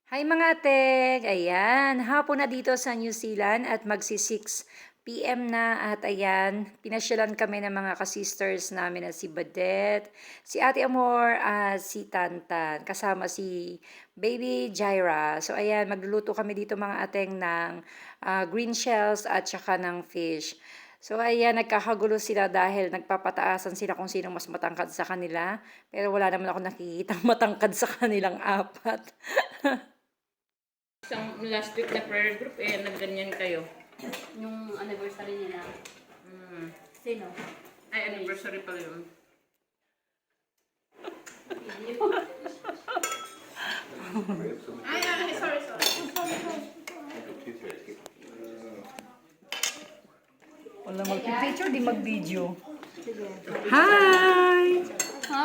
Hi mga ate! Ayan, hapon na dito sa New Zealand at magsi 6 PM na at ayan, pinasyalan kami ng mga kasisters namin na si Badet, si Ate Amor at si Tantan, kasama si Baby Jaira. So ayan, magluluto kami dito mga ateng ng green shells at saka ng fish. So ayan, nagkakagulo sila dahil nagpapataasan sila kung sino mas matangkad sa kanila. Pero wala naman ako nakikitang matangkad sa kanilang apat. Isang last week na prayer group, nagganyan kayo. Yung anniversary nila. Sino? Ay, anniversary pala yun. Sorry. Wala mag-picture, di mag-video. Hi! Ha?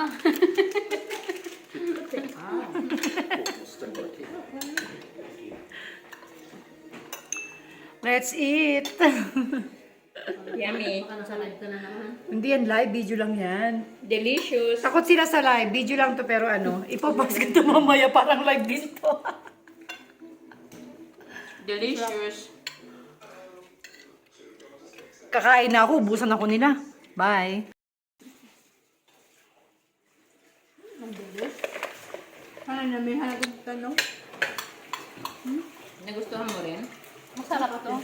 Let's eat! Yummy. Baka nasa live ka na naman. Hindi yan live, video lang yan. Delicious. Takot sila sa live, video lang to pero ipopost ko to mamaya parang live din to. Delicious. Kakain na ako, ubusan ako nila. Bye! Ano na, may halagang tanong? Nagustuhan mo rin? Masarap ito.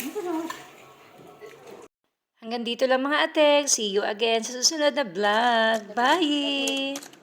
Hanggang dito lang mga atek. See you again sa susunod na vlog. Bye!